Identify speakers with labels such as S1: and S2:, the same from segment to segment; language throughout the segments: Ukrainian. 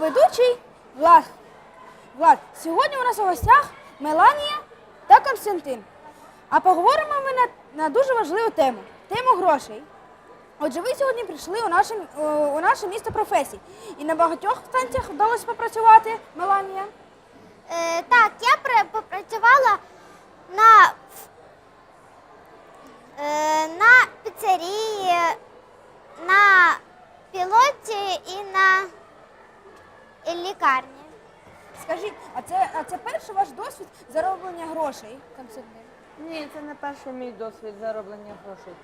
S1: ведучий Влад. Сьогодні у нас у гостях Меланія та Константин. А поговоримо ми на дуже важливу тему – тему грошей. Отже, ви сьогодні прийшли у наше місто професій. І на багатьох станціях вдалося попрацювати, Меланія?
S2: Так, я попрацювала на піцерії, на пілоті і на лікарні.
S1: Скажіть, а це перший ваш досвід зароблення грошей, Константин?
S3: Ні, це не перший мій досвід зароблення грошей.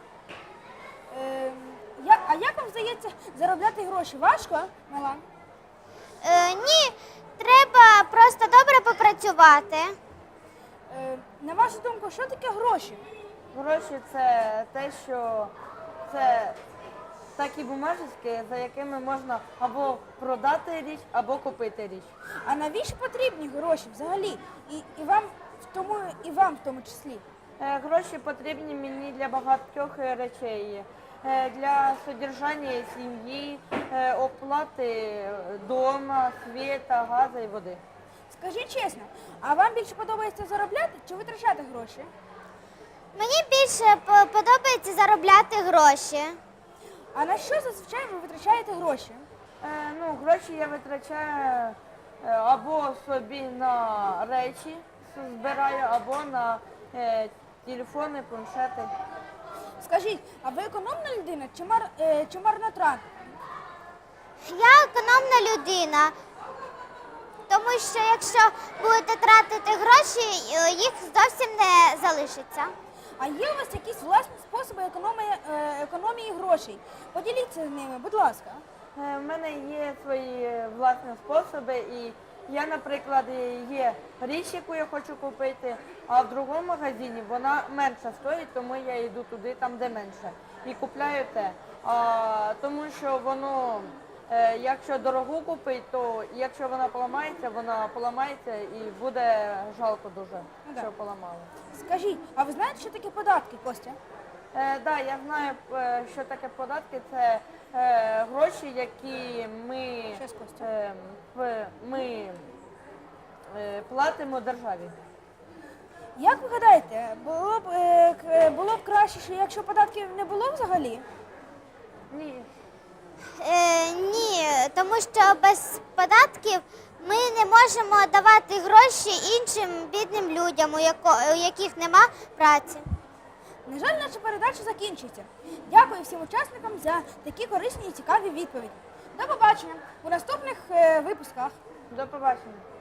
S1: А як вам здається заробляти гроші? Важко, Мелан?
S2: Ні, треба просто добре попрацювати.
S1: На вашу думку, що таке гроші?
S3: Гроші – це те, що це такі бумажечки, за якими можна або продати річ, або купити річ.
S1: А навіщо потрібні гроші взагалі? І вам в тому числі?
S3: Гроші потрібні мені для багатьох речей. Для содержання сім'ї, оплати дома, світа, газу і води.
S1: Скажіть чесно, а вам більше подобається заробляти чи витрачати гроші?
S2: Мені більше подобається заробляти гроші.
S1: А на що зазвичай ви витрачаєте гроші?
S3: Гроші я витрачаю або собі на речі збираю, або на телефони, планшети.
S1: Скажіть, а ви економна людина чи марнотратна?
S2: Я економна людина, тому що якщо будете тратити гроші, їх зовсім не залишиться.
S1: А є у вас якісь власні способи економії грошей? Поділіться з ними, будь ласка.
S3: У мене є свої власні способи, і я, наприклад, є річ, яку я хочу купити, а в другому магазині вона менше стоїть, тому я йду туди, там де менше, і купляю те. Тому що воно, якщо дорогу купити, то якщо вона поламається і буде жалко дуже, що поламали.
S1: Скажіть, а ви знаєте, що таке податки, Костя?
S3: Так, я знаю, що таке податки. Це гроші, які ми платимо державі.
S1: Як ви гадаєте, було б краще, якщо податків не було взагалі?
S3: Ні.
S2: Ні, тому що без податків ми не можемо давати гроші іншим бідним людям, у яких нема праці.
S1: На жаль, наша передача закінчується. Дякую всім учасникам за такі корисні і цікаві відповіді. До побачення у наступних випусках.
S3: До побачення.